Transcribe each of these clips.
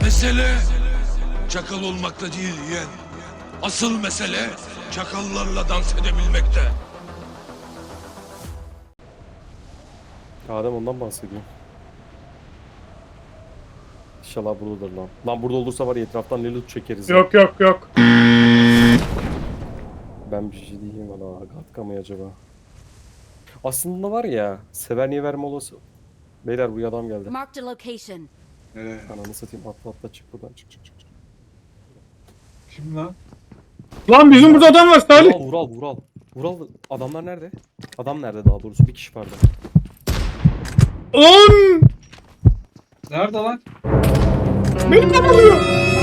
Mesele çakal olmakta değil yeğen. Asıl mesele çakallarla dans edebilmekte. Adem ondan bahsediyor. İnşallah buradadır lan. Lan burada olursa var ya etraftan ne loot çekeriz ya. Yok yok yok. Ben bir şey diyeyim valla. Gatka mı acaba? Aslında var ya. Severniye verme olası. Beyler bu adam geldi. Marked a location. Nereye? Ananı satayım atla atla çık buradan çık. Kim lan? Lan bizim burada adam var Salih. Vural. Vural adamlar nerede? Adam nerede daha doğrusu? Bir kişi vardı. Lan! Nerede lan? Beni de vuruyor.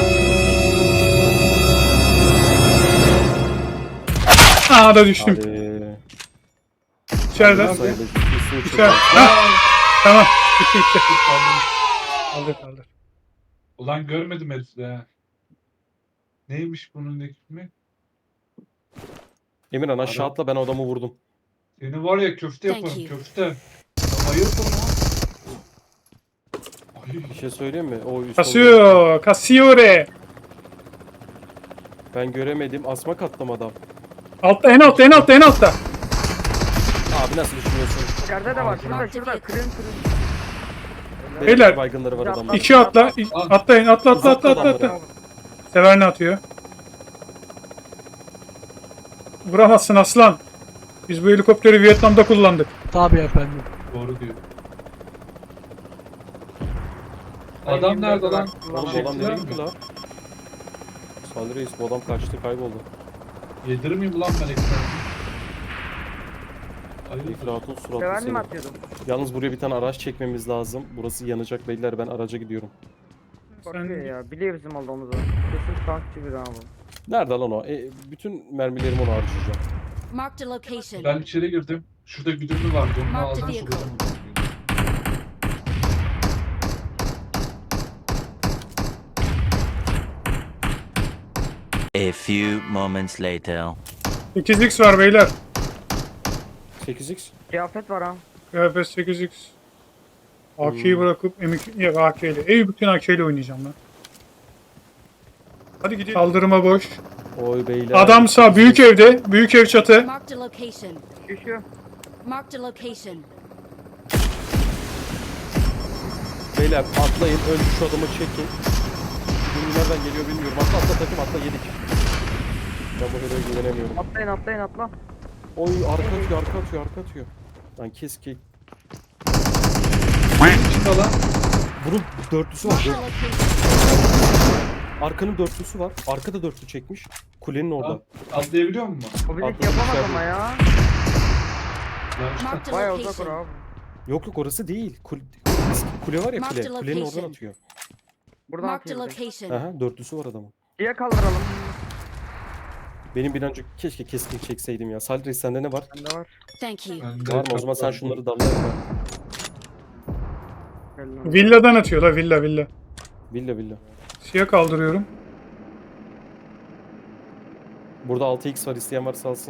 Aa da düştüm. Hadi. İçeriden. Sayıda üstüne çok İçeriden. Ha, tamam. Bitti. Kaldır. Ulan görmedim herifi de ha. Neymiş bunun hükmü? Emirhan aşağı atla ben adamı vurdum. Seni var ya köfte Thank yaparım you. köfte. Ya hayırdır lan? Ay, Bir şey söyleyeyim mi? O üst Kasıyor. Kasiyore. Ben göremedim. Asma katlam adam. Altta en altta. Abi nasıl düşünüyorsun? İçeride de var. Şurada. Kırın. Beyler. Baygınları var adamın. İki atla. Atlayın. Atla. Sever ne atıyor? Vuramazsın aslan. Biz bu helikopteri Vietnam'da kullandık. Tabii efendim. doğru diyor. Adam nerede lan? Oğlum bu adam nereye gitti lan? Salih Reis bu adam kaçtı kayboldu. Yedirmeyeyim ulan ben ekmeği. Hayırdır? İfratun suratlı Sever seni. mi atıyordum? Yalnız buraya bir tane araç çekmemiz lazım. Burası yanacak beyler ben araca gidiyorum. Korkuyor ya. Biliyor bizim olduğumuzu. Kesin tankçı bir abi. Nerede lan o? Bütün mermilerimi ona harcayacağım. Marked a location. Ben içeri girdim. Şurada güdümlü vardı. Onun Mark ağzına the vehicle. sokacağım. A few moments later. 8x var beyler. 8x. Kıyafet var ha. KFS 8x. AK'yi bırakıp M2 ya AK ile. Bütün AK ile oynayacağım ben. Hadi gidelim. Kaldırıma boş. Oy beyler. Adam sağ büyük evde. Büyük ev çatı. Marked a location. Düşüyor. Marked a location. Beyler atlayın önce şu adamı çekin. Şimdi nereden geliyor bilmiyorum. Atla takım atla yedik. Ben bu heroya güvenemiyorum. Atla. Oy arka atıyor. Lan keski. İçinde lan. Bunun dörtlüsü var. Marked a location. Arkanın dörtlüsü var. Arkada dörtlü çekmiş. Kulenin orada. Atlayabiliyor musun? O bizi hiç Atladım yapamaz içeride. ama ya. Lan işte. Marked a Bayağı uzak location. or abi. Yok orası değil. Kule var ya Marked kule. a Kulenin oradan location. atıyor. Buradan Marked a atıyor. location. Aha dörtlüsü var adamın. Diye kaldıralım. Benim bir önce keşke keskin çekseydim ya. Salih Reis sende ne var? Bende var. Thank you. Ben de Var mı? O zaman sen şunları dallayın. Gel lan. Villadan atıyor la villa. Villa. Siyah kaldırıyorum. Burada 6x var isteyen varsa alsın.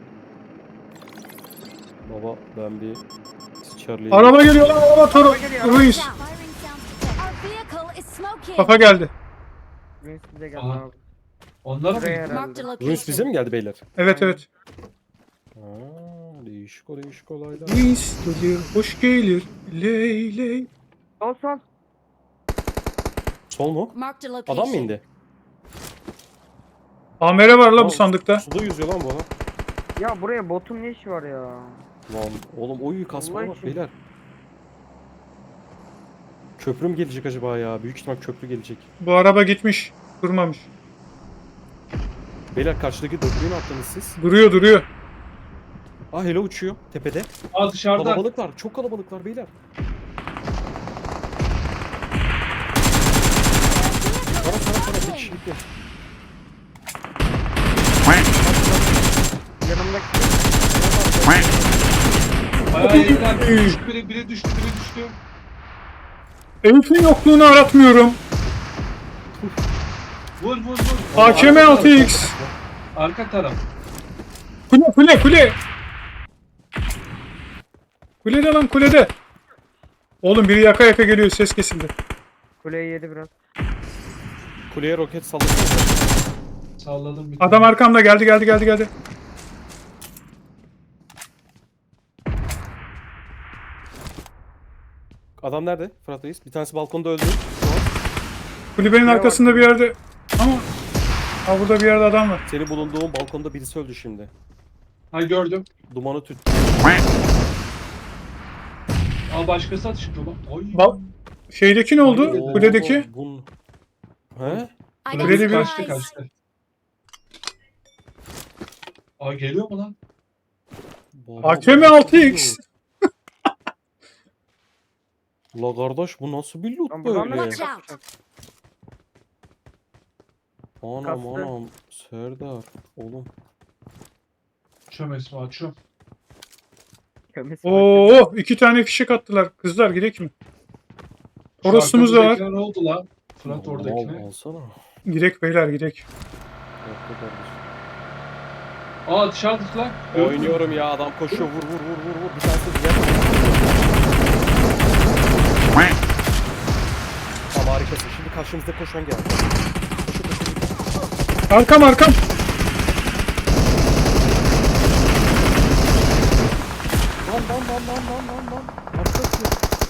Baba ben bir Charlie'yi... Araba geliyor lan araba Toro. Ruiz. Our vehicle is smoking. Kafa geldi. Vince bize geldi Aha. abi. Onlara mı? Buraya Marked a herhalde. location. Ruiz bize mi geldi beyler? Evet. Değişik olaylar. Ruiz gelir, hoş gelir. Ley. Sol. Sol mu? Marked a location. Adam mı indi? Amere var la bu Aa, sandıkta. Suda yüzüyor lan bu adam. Ya buraya botun ne işi var ya? Lan oğlum oy kasma Allah var için. beyler. Köprü mü gelecek acaba ya? Büyük ihtimal köprü gelecek. Bu araba gitmiş. Durmamış. Beyler karşıdaki dörtlüğü ne yaptınız siz? Duruyor. Ah hele uçuyor tepede. Aa dışarıda. Kalabalıklar. Çok kalabalıklar beyler. Sana bir kişilik yok. Yanımdaki Bayağı yediler. Biri düştü. Elif'in yokluğunu aratmıyorum. Vur. AKM 6x. Arka taraf. Kule. Kulede lan kulede. Oğlum biri yaka geliyor ses kesildi. kuleyi yedi biraz. Kuleye roket salladım. Salladım bir Adam tane. arkamda geldi. Adam nerede? Fırat Reis. Bir tanesi balkonda öldü. Kulübenin arkasında bir yerde. Ama ha burada bir yerde adam var. Senin bulunduğun balkonda birisi öldü şimdi. Ha gördüm. Dumanı tüt. Aa başkası atıştı lan. Oy. Şeydeki ne oldu? Oo. Kuledeki. Bun... He? I Öyle got bir- Kaçtı supplies. kaçtı. Aa geliyor mu lan? Baba, AKM bu nasıl 6X. bir loot? La kardeş bu nasıl bir loot Lan buradan da böyle? Watch out. Anam Kastı. anam. Serdar. Oğlum. Açıyorum Esma açıyorum. Kömür. Oo, 2 tane fişek attılar. Kızlar gidelim mi? Şu Torosumuz da var. arkamızdakine ne oldu lan? Fırat Al, oradakine. alsana. Girek beyler girek. Yapma kardeşim. Aa dışarı tut lan. Gördün mü? Oynuyorum ya adam koşuyor vur. Bir tanesi de gel. Tamam harikasın. Şimdi karşımızda koşan geldi. Koşu. Arkam. Lan. Arkası.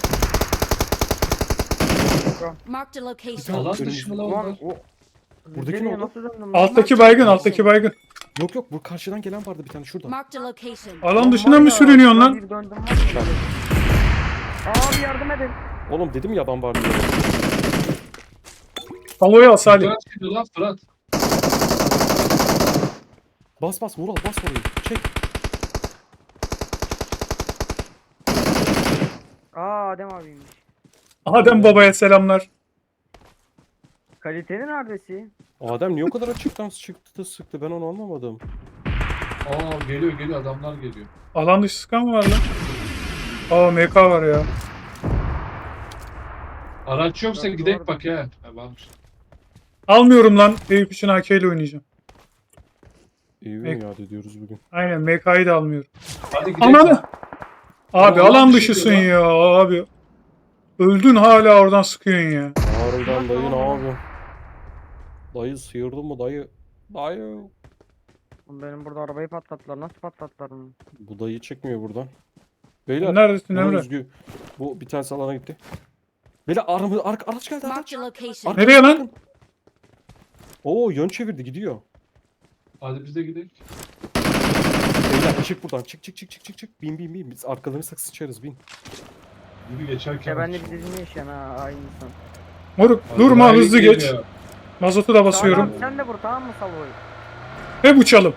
Marked a location. Alan dışı mı lan Ulan onlar? o... Buradaki Nereye, ne oldu? nasıl döndüm lan? Alttaki baygın. Yok bu karşıdan gelen vardı bir tane şurada. Marked a location. Alan Lan dışına var mı ya, sürünüyorsun lan? bir döndüm var ya. Abi yardım edin. Oğlum dedim ya adam var diye. Salo'yu al Salih. Fırat çıkıyor lan Fırat. Bas Vural bas orayı. Çek. Aa Adem abiymiş. Adem babaya selamlar. Kalitenin adresi. Adem niye o kadar açıktan çıktı da sıktı ben onu anlamadım. Aa geliyor adamlar geliyor. Alan dışı sıkan mı var lan? Aa MK var ya. Araç yoksa Doğru. gidek bak ya. Ha varmış. Almıyorum lan. Eyüp için AK ile oynayacağım. İyi mi yad ediyoruz bugün. Aynen MK'yı da almıyorum. Hadi gidelim. Ananı. Abi Alan alan dışı dışısın diyor ya abi. Öldün hala oradan sıkıyorsun ya. Harbiden dayı ne abi? Dayı sıyırdın mı dayı? Dayı. Oğlum benim burada arabayı patlattılar. Nasıl patlattılar bunu? Bu dayı çekmiyor buradan. Beyler. Neredesin bu Emre? Özgü. Bu bir tanesi alana gitti. Beyler araç geldi araç. Marked a location. Nereye lan? Oo yön çevirdi gidiyor. Hadi biz de gidelim. Beyler çık buradan çık. Bin. Biz arkalarını sıçarız bin. Gibi geçerken. Ya ben de bir dizini yaşayan ha aynı insan. Moruk Hadi durma bayağı hızlı geliyor. geç. Mazotu da basıyorum. Tamam sen de vur tamam mı Salo'yu? Hep uçalım.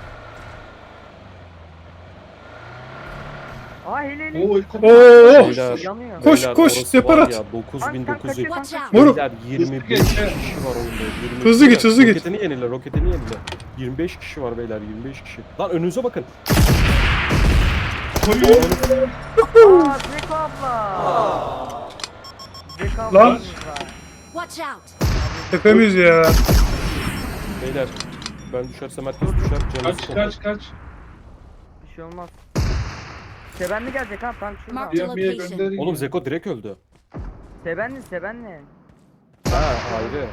Aa hele. Oo Oo. Beyler. Yanıyor. Koş, Beyler, koş, orası separat. var ya 9900. Watch out. Moruk. Beyler 25 Geç, kişi he. var oyunda. 25 Hızlı git, hızlı git. Roketini yenile. 25 kişi var beyler 25 kişi. Lan önünüze bakın. Aa Zeko abla. Zeko abla. Lan. Watch out. Tepemiz ya. Beyler ben düşersem herkes düşer. Canınızı Kaç. Bir şey olmaz. Sebenli gelecek ha tank şurada. Mark- Yemiye Location. gönderin. Oğlum ya. Zeko direkt öldü. Sebenli. Ha ayrı.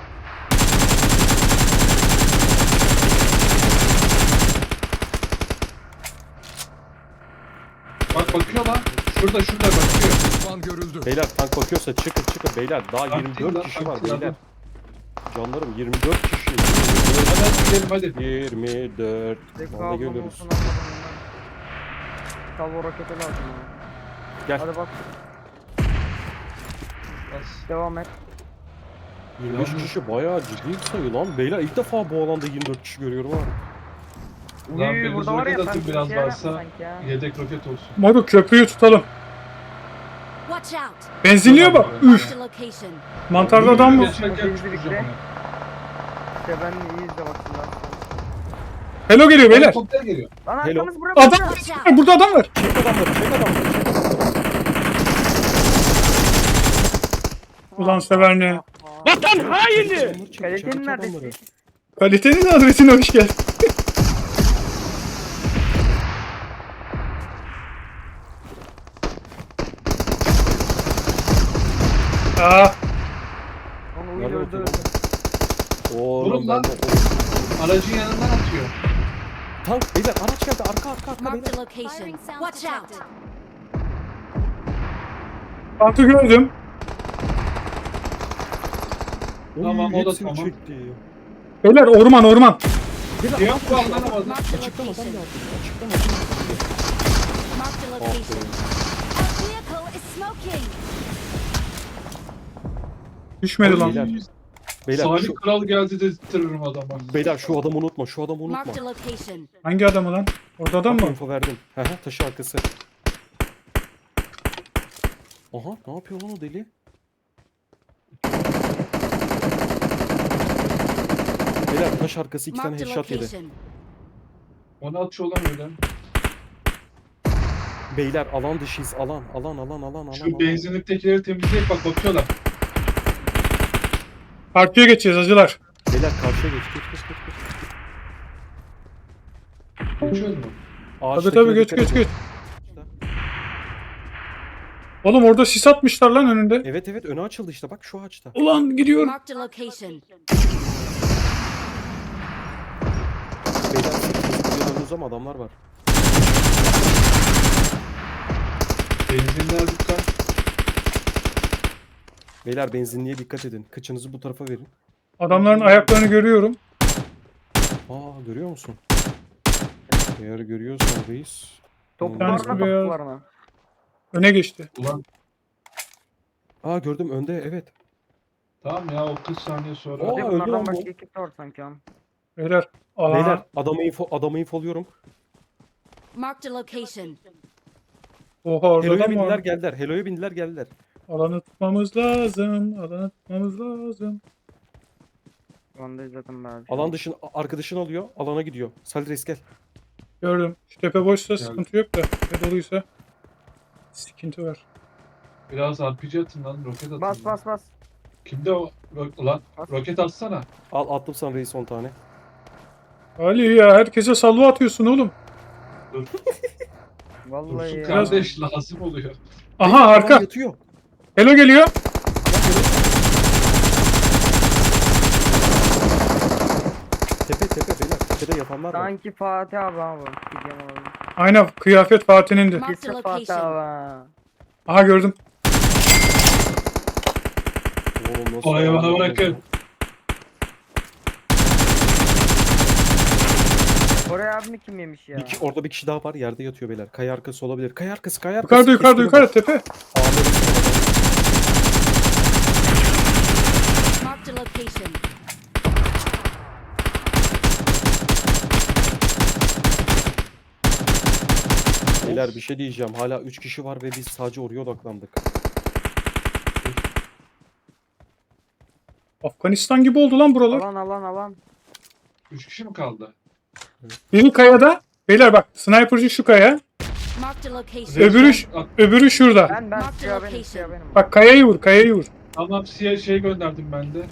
Bak bakıyor lan. Şurada bakıyor. Düşman görüldü. Beyler tank bakıyorsa çıkın beyler. Daha Tank 24 değil lan, kişi tank var değil beyler. lan. Canlarım 24 kişi. Hadi gidelim hadi. 24. Zeko Vallahi ablam görüyoruz. olsun almadım ondan. Salvo roketi lazım ya. Gel. Hadi bak Bas. devam et. 25 kişi bayağı ciddi bir sayı lan. Beyler ilk defa bu alanda 24 kişi görüyorum abi. Lan Uy, biriniz burada var ya roket atın sanki biraz bir şey varsa. yapma sanki ya. Yedek roket olsun. Moruk köprüyü tutalım. Watch out. Benzinliğe bak. Üf. Marked a location. Mantarda adam mı? Geçerken Otobüsü çıkacağım bekle. ona. Sebenli iyi izle baksınlar. Hello geliyor beyler. Helikopter geliyor. Lan Hello. arkamız buraya Adam. bakıyor. Watch out. Burada adam var. Çek adamları. Ulan sever ne? Vatan haini! Kalitenin neredesi? Kalitenin adresine hoş geldin. Onu Nerede öldü. bakayım? Oğlum Vurun ben lan. de... Aracın yanından atıyor. Tank beyler araç geldi arka Marked beyler. a location. Watch out. Tankı gördüm. Tamam, o da hepsini tamam. çekti. Beyler orman. Beyler Yok adam koşuyor. anlamadım. Marked a Açıktan adam location. geldi. Açıktan adam geldi. Marked a location. Our vehicle is smoking. Düşmedi lan. Beyler. Beyler Salih şu, Kral geldi dedirtirim adama. beyler şu adamı unutma. Şu adamı unutma. Marked a location. Hangi adamı lan? Orada adam Bak, mı? info verdim. Hı hı, taşı arkası. Aha ne yapıyor lan o deli? Beyler taş arkası 2 tane Marked a headshot yedi. location. Onu atıyor lan öyle. Beyler alan dışıyız. Alan. Şu benzinliktekileri temizleyip bak bakıyorlar. Partiye geçeceğiz hacılar. Beyler karşıya geç. Geçiyoruz mu? Tabii geç. Oğlum orada sis atmışlar lan önünde. Evet önü açıldı işte bak şu ağaçta. Ulan gidiyorum. Marked a location. Beyler siz önünüzde ama adamlar var. Benzinler dikkat. Beyler benzinliğe dikkat edin. Kıçınızı bu tarafa verin. Adamların ayaklarını görüyorum. Aa görüyor musun? Eğer görüyorsan reis. Top tanesi var mı? beyaz. Top var mı? Öne geçti. Ulan Aa gördüm önde evet. tamam ya, o 40 saniye sonra. Oo, Bir de öldü lan bunlardan bu. başka ekip de var sanki am. Beyler. Alana. Beyler adamı infoluyorum. Marked a location. Oha orada Helo'ya adam bindiler var. geldiler. Helo'ya bindiler geldiler. Alanı tutmamız lazım. Ondayız zaten ben. Alan dışın arkadaşını alıyor. Alana gidiyor. Salih reis gel. Gördüm. Şu tepe boşsa Geldi. sıkıntı yok da. Tepe doluysa sıkıntı var. Biraz RPG atın lan, roket atın. Bas. Kimde o? Ulan Bas. roket atsana. Al attım sana reis 10 tane. Ali ya herkese salvo atıyorsun oğlum. Vallahi Dursun ya. kardeş lazım oluyor. Aha Adam arka. yatıyor. Hello geliyor. Tepe beyler. Tepede yatanlar var. Sanki Fatih abi abi. Gideceğim abi. Aynen kıyafet Fatih'indi. Marked a Kesin Fatih location. abi. Aha gördüm. Oğlum nasıl Orayı bana adam bırakın. ya? Oraya abimi kim yemiş ya? Orada bir kişi daha var. Yerde yatıyor beyler. Kaya arkası olabilir. Kaya arkası. Yukarıda tepe. Marked a location. Beyler bir şey diyeceğim. Hala 3 kişi var ve biz sadece oraya odaklandık. Afganistan gibi oldu lan buralar. Alan. 3 kişi mi kaldı? Biri kayada. Beyler bak sniperci şu kaya. Marked a location. Öbürü şurada. Ben Marked siyah location. benim. Bak kayayı vur. Tamam, siyah şey gönderdim ben de.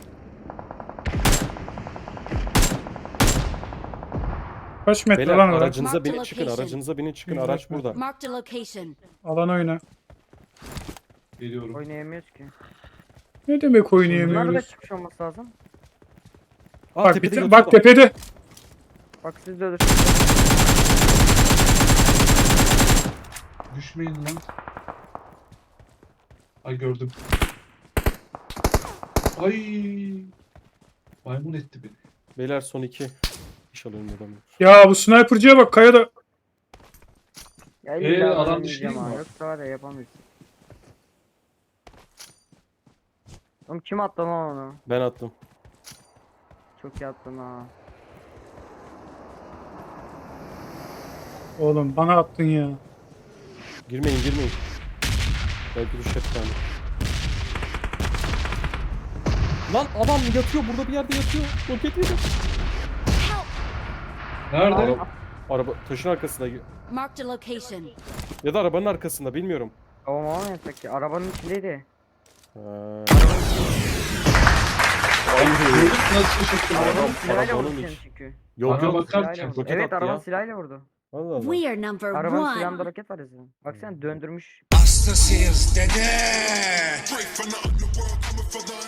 Kaç metre Beyler lan orası? aracınıza Mark the binin çıkın. location. Aracınıza binin çıkın. Bir Araç dakika. burada. Marked a location. Alan oyna. Geliyorum. Oynayamıyoruz ki. Ne demek Bunlar da oynayamıyoruz? çıkmış olması lazım. Aa, Bak, tepede bak yatıyorlar. tepede. Bak siz de ölür. Düşmeyin lan. Ay gördüm. Ay. Maymun etti beni. Beyler son 2. İnşallah önünde adam yok. Ya bu sniperciye bak kayada. Ya illa alan oynamayacağım dışı değil mi ha. o? Yoksa var ya yapamayız. Oğlum kim attı lan onu? Ben attım. Çok iyi attın ha. Oğlum bana attın ya. Girmeyin. Belki düşer bir tane. Lan adam yatıyor. Burada bir yerde yatıyor. Roket yedi. Nerede? Araba taşın arkasında. Marked a location. Ya da arabanın arkasında bilmiyorum. Tamam yasak ki. Arabanın içindeydi. Ha. Gördün nasıl şaşırttım Arabanın adam. silahıyla vurdu arabanın seni iç. çünkü. Yok Bana yok. bakarken Silahıyla vurdu. roket Evet attı arabanın ya. silahıyla vurdu. Allah Allah. We are number Arabanın silahında one. roket var ya senin. Baksana döndürmüş. Hastasıyız dede.